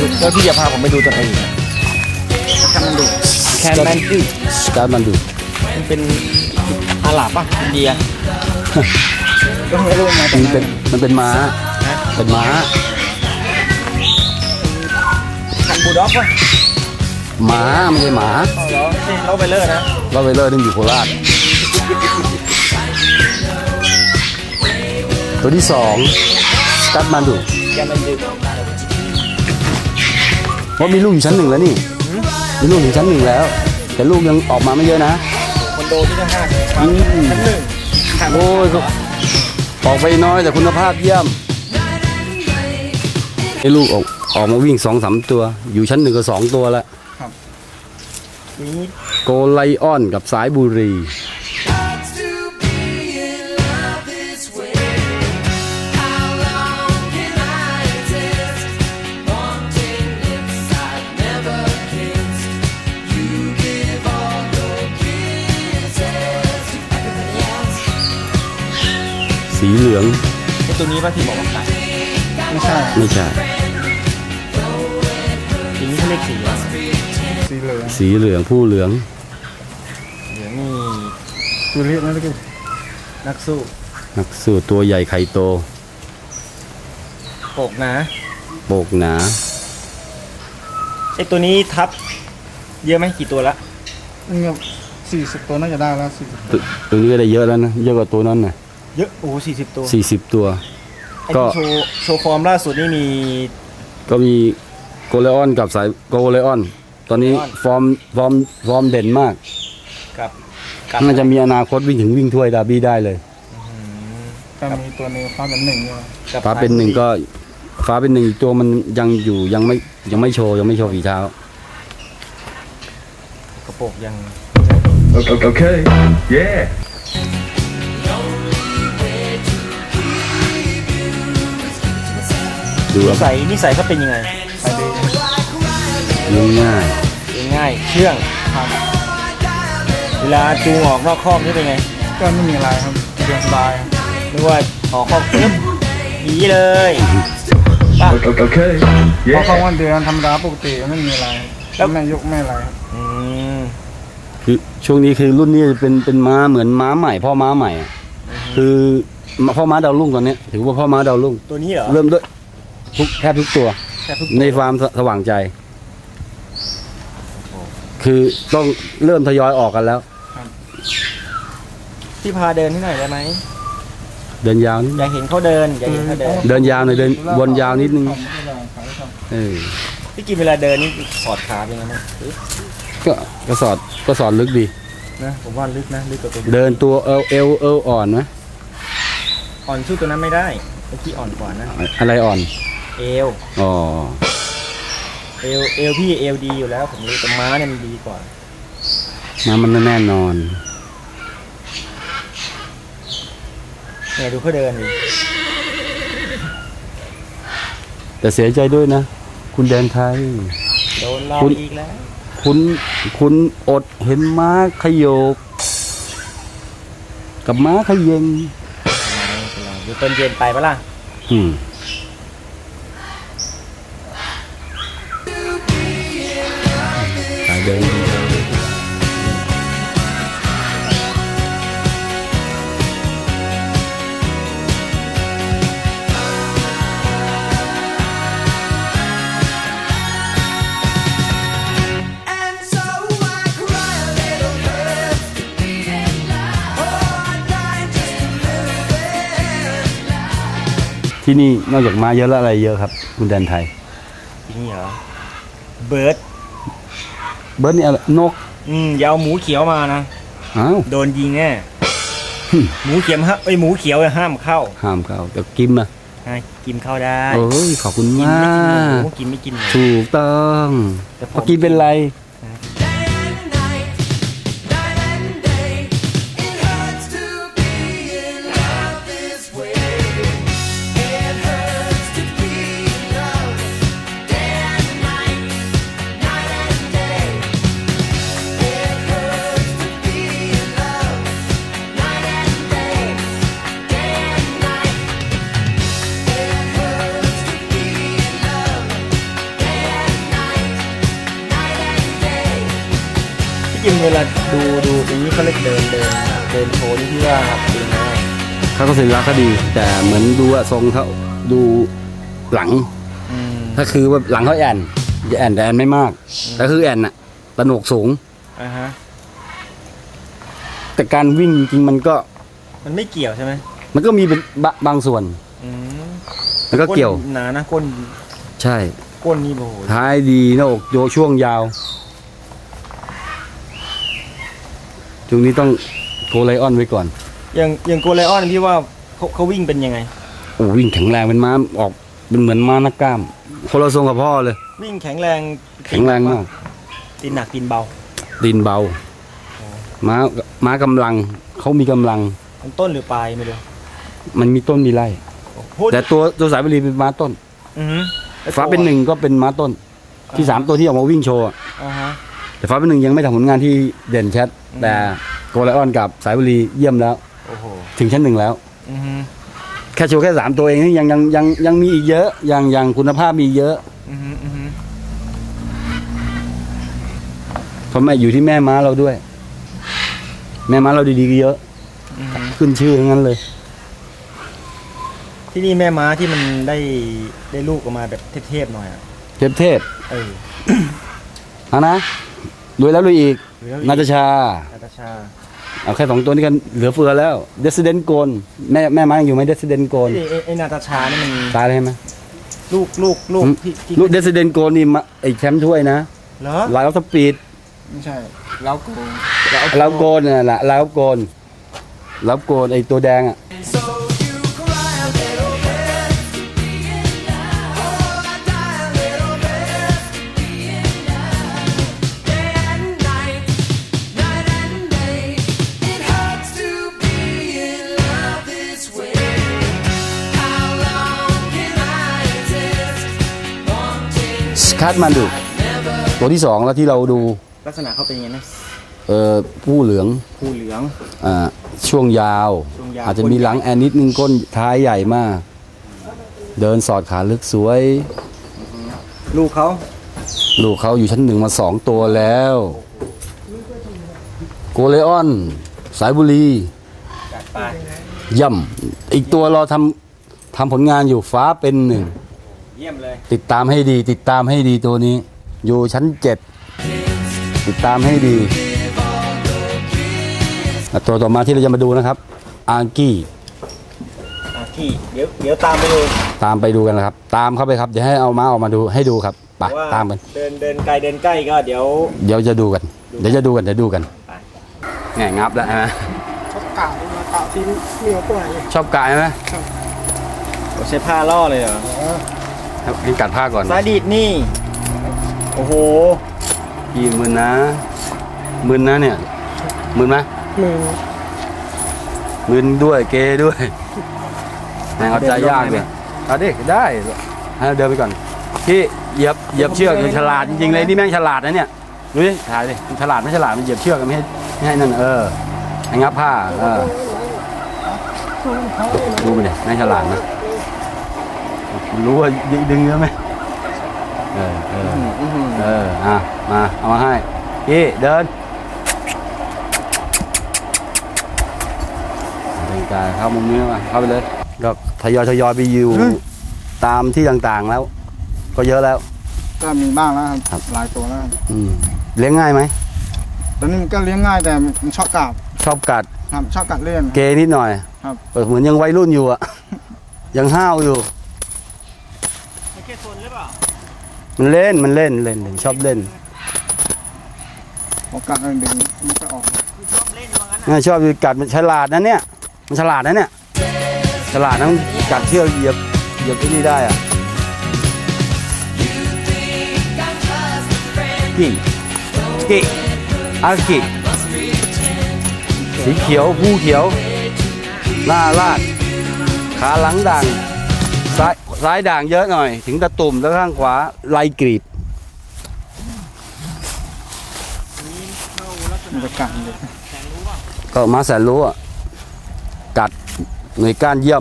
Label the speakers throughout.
Speaker 1: แล้วพี่จะพาผมไปดูตัวไหนอีกแคนมันดู
Speaker 2: สกามันดู
Speaker 1: มันเป็นอาหรับป่ะอินเดียก็ไม่รู้มา
Speaker 2: มันเป็นม้าเป็นม้า
Speaker 1: คันบูลด็อกป่ะ
Speaker 2: ม้าไม่ใช่หมา
Speaker 1: อ๋อเหรอนี่เราไปเลอร์นะ
Speaker 2: เราไปเลอร์นึงอยู่โคราชตัวที่สองสกามันดู
Speaker 1: แคนมันดู
Speaker 2: เพราะมีลูกอยู่ชั้นหนึ่งแล้วนี่มีลูกอยู่ชั้นหนึ่งแล้ว แต่ลูกยังออกมาไม่เยอะนะ
Speaker 1: คอนโดที่ต้องชั้นหนึ่ง
Speaker 2: โอ้ยออกไปน้อยแต่คุณภาพเยี่ยมไอ้ลูกออกมาวิ่ง2-3 ตัว อยู่ชั้น1ก็2 ตัวแล้ว
Speaker 1: นี่
Speaker 2: โกไลออนกับสายบุรี สีเหลือง
Speaker 1: ไอตัวนี้ป่ะที่บอกว่าไก่
Speaker 3: ไม่ใช่
Speaker 2: ไม่ใช่
Speaker 1: ทีนี้เขาเรียกสีอะไร
Speaker 3: สีเหลือง
Speaker 2: สีเหลืองผู้เหลือง
Speaker 1: เหลืองนี่
Speaker 3: ตัวเล็กนั่นก็
Speaker 1: นักสู้
Speaker 2: นักสู้ตัวใหญ่ไข่โต
Speaker 1: โปกนะ
Speaker 2: โปกหนา
Speaker 1: ไอตัวนี้ทับเยอะไหมกี่ตัวละ
Speaker 3: นี่ก็40 ตัวน่าจะได้แล้ว40
Speaker 2: ตัวนี้ก็ได้เยอะแล้วนะเยอะกว่าตัวนั้นนะ
Speaker 1: เยอะโอ้40 ตัว
Speaker 2: 40 ตัว
Speaker 1: ไอ
Speaker 2: ก็
Speaker 1: ที่โชว์ฟอร์มล่าสุดนี่มี
Speaker 2: ก็มีโกไลออนกับสายโกไลออน ตอนนี้ฟอร์มเด่นมาก
Speaker 1: กับ
Speaker 2: น่าจะมีอนาคตวิ่งถ้วยดาร์บี้ได้เลย
Speaker 3: ก็มีตัวนึงฟ้าเป็น1เนี่ย
Speaker 1: กับ
Speaker 2: ฟ้าเป็นหนึ่งก็ฟ้าเป็นหนึ่งอีกตัวมันยังอยู่ยังไม่โชว์ฝีเท้า
Speaker 1: กระโปกยัง
Speaker 4: Okay. Yeah.
Speaker 2: ดูครับ
Speaker 1: นิสัยเขาเป็นยังไง
Speaker 3: ไปดี
Speaker 2: เลี้ยงง่าย
Speaker 1: เลี้ยงง่ายเชื่องเวลาจูงออกนอกคอกนี่เป็นไง
Speaker 3: ก็ไม่มีอะไรครับเรียนสบาย
Speaker 1: นึกว่าออกคอกปึ๊บหนีเลยป่ะ
Speaker 4: Okay.
Speaker 3: เพราะเขา
Speaker 4: Yeah.
Speaker 3: วันเดือนธรรมดาปกติไม่มีอะไร
Speaker 1: แล้ว
Speaker 3: แม่ยกแม่อะไรครับ
Speaker 1: อืม
Speaker 2: คือช่วงนี้คือรุ่นนี้เป็นม้าเหมือนม้าใหม่พ่อม้าใหม่อะคือพ่อม้าดาวรุ่งตอนนี้ถือว่าพ่อม้าดาวรุ่ง
Speaker 1: ตัวนี้เหรอ
Speaker 2: เริ่มด้วยแทบทุกตัว
Speaker 1: แค่ทุก
Speaker 2: ในฟาร์มสว่างใจ คือต้องเริ่มทยอยออกกันแล้ว
Speaker 1: ที่พาเดินที่ไหนได้ไหม
Speaker 2: เดินยาวนิด
Speaker 1: อยากเห็นเขาเดินอยากเห็นเขาเดิน
Speaker 2: เดินยาวหน่อยเดินวนยาวนิดนึง
Speaker 3: ขาย
Speaker 2: เออ
Speaker 1: พี่กินเวลาเดินนี่สอดขาเป็นไงบ้าง
Speaker 2: ก็สอดลึกดี
Speaker 1: นะผมว่าลึกนะลึกกว่าตัว
Speaker 2: เดินตัวเอวอ่อนนะ
Speaker 1: อ่อนสู้ตัวนั้นไม่ได้ไอ้ที่อ่อนกว่านะ
Speaker 2: อะไรอ่อน
Speaker 1: เอว
Speaker 2: อ๋อ
Speaker 1: เอวพี่เอวดีอยู่แล้วผมรู้แต่ม้าเนี่ยมันดีกว่า
Speaker 2: ม้ามันแน่นอน
Speaker 1: เนี่ยดูเขาเดินดิ
Speaker 2: แต่เสียใจด้วยนะ คุณแดนไทย
Speaker 1: โดนลอก
Speaker 2: คุณ
Speaker 1: อีกแล้ว
Speaker 2: คุณอดเห็นม้าขยโยก กับม้าขยเยง
Speaker 1: ดูต้นเย็นไปปะล่ะ
Speaker 2: อืมสายเดิน ที่นี่นอกจากม้าเยอะแล้วอะไรเยอะครับ คุณแดนไทย
Speaker 1: นี่เหรอเบิร์ด
Speaker 2: เบิร์ดนี่อะไรนก
Speaker 1: อย่าเอาหมูเขียวมานะ
Speaker 2: อ้าว
Speaker 1: โดนยิงแน่ หมูเขียวฮะหมูเขียวห้ามเข้า
Speaker 2: ห้ามเข้าแต่กิมอะ
Speaker 1: ให้กินเข้าได้
Speaker 2: โอ้ยขอบคุณ
Speaker 1: กิน
Speaker 2: มา
Speaker 1: ไม่กินห
Speaker 2: ก
Speaker 1: มูกินไม่กินหมู
Speaker 2: ถูกต้อง
Speaker 1: แต่ผม
Speaker 2: เมื่อกี้เป็นไร
Speaker 5: It hurts to be in love.
Speaker 1: จิมเวลาดูอย่างนี้เขาเรียกเดินโชว์นี่ที่ว่าเป็นไง
Speaker 2: เขาก็ศิลปะเขาดี แต่เหมือนดูว่าทรงเขาดูหลัง ถ้าคือว่าหลังเขาแอนจะแอนแต่แอนไม่มากแต่คือแอนน่ะตะโหนกสูง
Speaker 1: ฮะ
Speaker 2: แต่การวิ่งจริงๆมันก็
Speaker 1: มันไม่เกี่ยวใช่ไหม
Speaker 2: มันก็มีเป็นบางส่วน
Speaker 1: อืม
Speaker 2: มันก็เกี่ยว
Speaker 1: ก้นหนานะก้น
Speaker 2: ใช่
Speaker 1: ก้นนี่โอ้โห
Speaker 2: ท้ายดีหน้าอกโยช่วงยาวช่วงนี้ต้องโกไลออนไว้ก่อน
Speaker 1: อย่างโกไลออนพี่ว่าเขาวิ่งเป็นยังไง
Speaker 2: โอ้วิ่งแข็งแรงเป็นม้าออกเป็นเหมือนม้านักกล้ามคนละทรงกับพ่อเลย
Speaker 1: วิ่งแข็งแรง
Speaker 2: แข็งแรงมาก
Speaker 1: ตีนหนักตีนเบา
Speaker 2: ตีนเบาม้ากำลังเขามีกำลัง
Speaker 1: มันต้นหรือปลายไม่รู้
Speaker 2: มันมีต้นมีไร่
Speaker 1: พูด
Speaker 2: แต่ตัวสายบุรีเป็นม้าต้น
Speaker 1: อือฮึ
Speaker 2: ฟ้าเป็นหนึ่งก็เป็นม้าต้น ที่สามตัวที่ออกมาวิ่งโชว์อะ
Speaker 1: ฮะ
Speaker 2: แต่ฟ้าเป็นหนึ่งยังไม่ทำผลงานที่เด่นชัดแต่โกไลออนกับสายบุรีเยี่ยมแล้ว
Speaker 1: โอ้โห
Speaker 2: ถึงชั้นหนึ่งแล้ว
Speaker 1: อือฮึ
Speaker 2: แค่โชว์แค่สามตัวเองนี่ยังมีอีกเยอะยังคุณภาพมีเยอะ
Speaker 1: อือฮึอือฮึ
Speaker 2: เพราะแม่อยู่ที่แม่ม้าเราด้วย แม่ม้าเราดีๆก็เยอะ
Speaker 1: อือฮึ
Speaker 2: ขึ้นชื่อทั้งนั้นเลย
Speaker 1: ที่นี่แม่ม้าที่มันได้ลูกออกมาแบบเทพๆหน่อยอะ
Speaker 2: เทพ
Speaker 1: เออ
Speaker 2: เอานะรวยแล้วรวยอีก
Speaker 1: รวยแล้วรวยอีก
Speaker 2: นาตาชา
Speaker 1: นาตาชา
Speaker 2: เอาแค่2ตัวนี้กันเหลือเฟือแล้วเดสเดนโกนแม่ม้ายังอยู่ไหมเดสเดนโกน
Speaker 1: ไอ้นาตาชานี่มัน
Speaker 2: ตายเลยไหม
Speaker 1: ลูกที่
Speaker 2: ลูกเดสเดนโกนนี่ไอ้แชมป์ถ้วยนะ
Speaker 1: เหรอ
Speaker 2: ลายออฟสปีด
Speaker 3: ไม่ใช่แล้วกู
Speaker 2: ลาวโกนน่ะแหละลาวโกนไอ้ตัวแดงอ่ะ สคัตมันดูตัวที่2แล้วที่เราดู
Speaker 1: ลักษณะเขาเป็นยังไงนะ
Speaker 2: ผู้เหลือง
Speaker 1: ผู้เหลือง
Speaker 2: ช่วงยาว
Speaker 1: ช่วงยาว
Speaker 2: อาจจะมีหลังแอนนิดนึงก้นท้ายใหญ่มาก เดินสอดขาลึกสวย
Speaker 1: ลูกเขา
Speaker 2: ลูกเขาอยู่ชั้น1มา2ตัวแล้ว โกเลออน สายบุรี
Speaker 1: จัดไป
Speaker 2: ย่ำอีกตัวเราทำผลงานอยู่ฟ้าเป็นหนึ่ง
Speaker 1: เยี่ยมเลย
Speaker 2: ติดตามให้ดีตัวนี้ อยู่ชั้น7ติดตามให้ดีตัวต่อมาที่เราจะมาดูนะครับอากี้
Speaker 1: ที่เดี๋ยวตามไปดู
Speaker 2: ตามไปดูกันนะครับ ตามเข้าไปครับเดี๋ยวให้เอาม้าออกมาดูให้ดูครับไป
Speaker 1: ว่า
Speaker 2: ตามกัน
Speaker 1: เดินไกลก็เดี๋ยว
Speaker 2: เดี๋ยวจะดูกันเดี๋ยวดูกัน
Speaker 1: ไป
Speaker 2: แง่งับแล้วใช่ไหม
Speaker 3: ชอบกล่าวมาเก่าที่เหนียวตัวไหน
Speaker 2: ชอบกายไหม
Speaker 1: ใช้ผ้าล่อเลยเหรอ
Speaker 2: ให้กัดผ้าก่อน
Speaker 1: สายดีดนี่ โอ้โห
Speaker 2: กี่หมื่นนะหมื่นนะเนี่ยหมื่นไหม
Speaker 3: มือ
Speaker 2: หมื่นด้วยเกด้วยแม่งเอาใจยากเลยเอาดิได้ให้เราเดินไปก่อนพี่เหยียบเชือกมันฉลาดจริงๆเลยนี่แม่งฉลาดนะเนี่ยดูดิถ่ายดิมันฉลาดไม่ฉลาดมันเหยียบเชือกไม่ให้นั่นให้งับผ้าดูไปดิแม่งฉลาดนะรู้ว่าดึงเยอะไหมมาเอามาให้พี่เดินเป็นการเข้ามุมนี้มาเข้าไปเลยก็ทยอยไปอยู่ตามที่ต่างๆแล้ว ก็เยอะแล้ว
Speaker 3: ก็มีบ้างแล้วครับหลายตัวแล้วครับ
Speaker 2: เลี้ยงง่ายไหม
Speaker 3: ตอนนี้มันก็เลี้ยงง่ายแต่มันชอบกัด
Speaker 2: ชอบกัด
Speaker 3: ครับชอบกัดเล่น
Speaker 2: เกนิดหน่อย
Speaker 3: ครับ
Speaker 2: เหมือนยังวัยรุ่นอยู่อะยังห้าวอยู่
Speaker 1: ไม่แค่โซนหรือเปล่า
Speaker 2: มันเล่นชอบเล่น
Speaker 3: พอกัดดึงมันก็ออก
Speaker 1: ชอบเล่นว่างั้นอ่ะ
Speaker 2: ชอบกัดมันฉลาดนะเนี่ยมันฉลาดนะเนี่ยฉลาดนะมันกัดเชือกเหยียบที่นี่ได้อะกิอากิสีเขียวผู้เขียวหน้าลาดขาหลังด่างซ้ายด่างเยอะหน่อยถึงตะตุ่มแล้วข้างขวาไล่กรีบ
Speaker 3: มันจะกัดเลย
Speaker 2: ก็มาแสนรู้อ่ะกัดหน่วยก้านเยี่ยม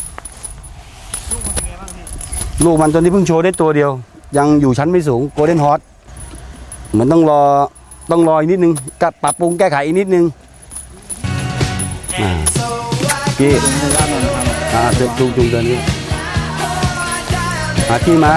Speaker 2: ลูกมันตัวนี้เพิ่งโชว์ได้ตัวเดียว ยังอยู่ชั้นไม่สูงโกลเด้นฮอตเหมือนต้องรอต้องรออีกนิดนึงกับปรับปรุงแก้ไขอีกนิดนึงพี่จูงเดินนี่พี่มา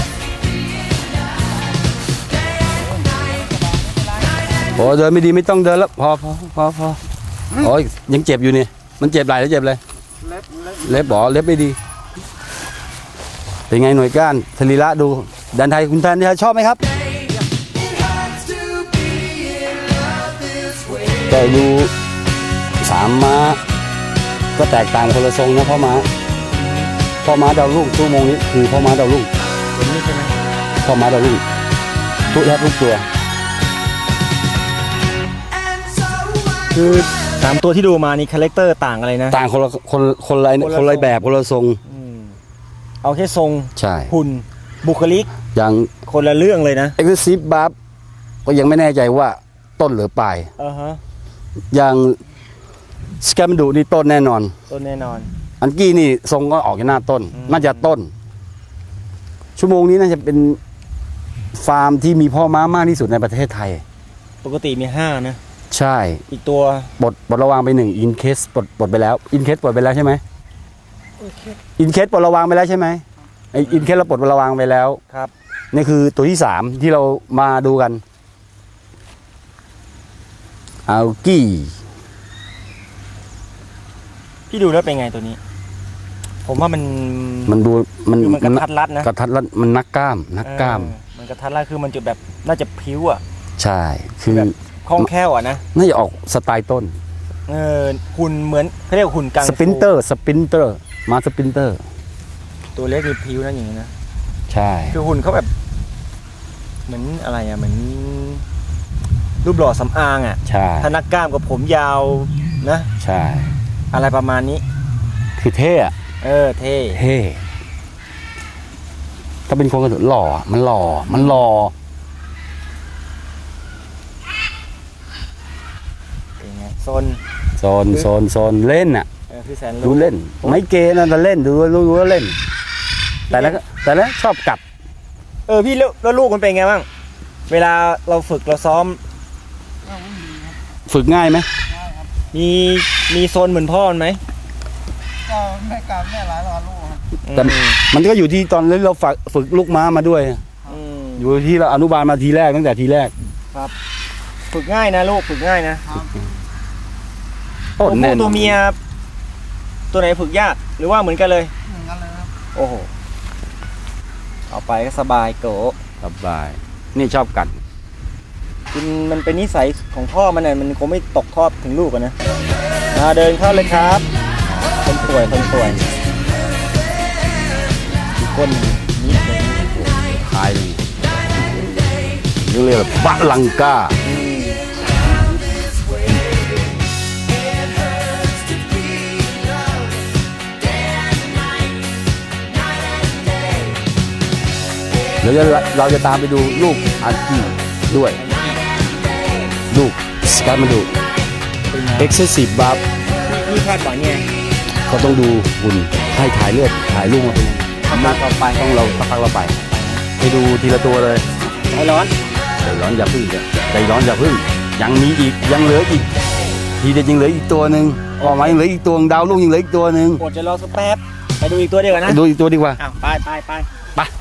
Speaker 2: โอ้เดินไม่ดีไม่ต้องเดินแล้วพอโอ้ยยังเจ็บอยู่นี่มันเจ็บไหล่แล้วเจ็บเลยเล็บบอกเล็บไม่ดีเป็นไงหน่วยก้านสรีระดูดันไทยคุณแทนชอบไหมครับแต่ดู3 ม้าก็แตกต่างคนละทรงนะพ่อม้าดาวรุ่งชั่วโมงนี้คือพ่อม้าดาวรุ่งตัวนี้ใช่ไหมพ่อม้าดาวรุ่งทุกตัว
Speaker 1: คือ3ตัวที่ดูมานี่คาแรคเตอร์ต่างอะไรนะ
Speaker 2: ต่างคนละแบบคนละทรง
Speaker 1: เอาแค่ทรง
Speaker 2: ใช่
Speaker 1: หุ่นบุคลิก
Speaker 2: อย่าง
Speaker 1: คนละเรื่องเลยนะ
Speaker 2: Exclusive Buff ก็ยังไม่แน่ใจว่าต้นหรือปลายอย่างสแกมดูนี่ต้นแน่นอนอันกี้นี่ทรงก็ออกจากหน้าต้นน่าจะต้นชั่วโมงนี้น่าจะเป็นฟาร์มที่มีพ่อม้ามากที่สุดในประเทศไทย
Speaker 1: ปกติมี5นะ
Speaker 2: ใช่
Speaker 1: อีกตัว
Speaker 2: ปลดระวางไป1อินเคสปลดไปแล้วอินเคสปลดไปแล้วใช่ไหมอินเคสปลดระวางไปแล้วใช่ไหมไออินเคสเราปลดระวางไปแล้ว
Speaker 1: ครับ
Speaker 2: นี่คือตัวที่3ที่เรามาดูกันอัลกี้
Speaker 1: พี่ดูแล้วเป็นไงตัวนี้ผมว่า
Speaker 2: มันดูมัน
Speaker 1: กระทัดรัดนะ
Speaker 2: กระทัดรัดมันนักกล้าม
Speaker 1: มันกระทัดรัดคือมันจะแบบน่าจะพิ้วอ่ะ
Speaker 2: ใช่คือ
Speaker 1: คล่องแคล่วอ่ะนะ
Speaker 2: น่าจะออกสไตล์ต้น
Speaker 1: หุ่นเหมือนเขาเรียกหุ่นกังฟู
Speaker 2: สปรินเตอร์มาสปรินเตอร์
Speaker 1: ตัวเล็กมีพิ้วนั่นอย่างนี้นะ
Speaker 2: ใช่
Speaker 1: คือหุ่นเขาแบบเหมือนอะไรอ่ะเหมือนรูปหล่อสำอางอ่ะ
Speaker 2: ใช่
Speaker 1: ถ้านักกล้ามกับผมยาวนะ
Speaker 2: ใช่
Speaker 1: อะไรประมาณนี้
Speaker 2: คือเท่อะ
Speaker 1: เท่
Speaker 2: ถ้าเป็นคนกระโดดหล่อมันหล่อ
Speaker 1: เป็นไงโ
Speaker 2: ซนเล่นอ่ะดูเล่นไม่เกย์นะแต่เล่นดูว่าเล่นแต่แล้วชอบกัด
Speaker 1: พี่แล้วลูกมันเป็นไงบ้างเวลาเราฝึกเราซ้อม
Speaker 2: ฝึกง่ายไหม
Speaker 1: มีโซนเหมือนพ่อมันไหม
Speaker 3: ก็แม่การแม่หลายลูก
Speaker 2: แต่มันก็อยู่ที่ตอนนี้เราฝึกลูกม้ามาด้วยอยู่ที่เราอนุบาลมาทีแรกตั้งแต่ทีแรก
Speaker 1: ครับฝึกง่ายนะลูกฝึกง่ายนะตัวเมียตัวไหนฝึกยากหรือว่าเหมือนกันเลย
Speaker 3: ครับ
Speaker 1: โอ้โหเอาไปก็สบายโก
Speaker 2: สบายนี่ชอบกัด
Speaker 1: มันเป็นนิสัยของพ่อมันเนี่ยมันคงไม่ตกทอดถึงลูกนะเดินเข้าเลยครับคนป่วยก้นนิดนึง
Speaker 2: คายเลยเรียกว่าบะลังกาแล้วเราจะตามไปดูลูกอันกี้ด้วยลูกสกัดมาดู Exclusive Buff
Speaker 1: นี่คาดหวังไง
Speaker 2: เขาต้องดูหุ่นให้ถ่ายเลือดถ่ายลูกมาเป็น
Speaker 1: ต่อไป
Speaker 2: ต้องเราสักพักเราไปดูทีละตัวเลย
Speaker 1: ใจร้อน
Speaker 2: อย่าพึ่งใจร้อนอย่าพึ่งยังมีอีกยังเหลืออีกทีเดียวยังเหลืออีกตัวหนึ่งออกมายังเหลืออีกตัวดาวลูกยังเหลืออีกตัวหนึ่ง
Speaker 1: อดจะรอสักแป๊บไปดูอีกตัวเดียวกันนะ
Speaker 2: ดูอีกตัวดีกว่า
Speaker 1: ไป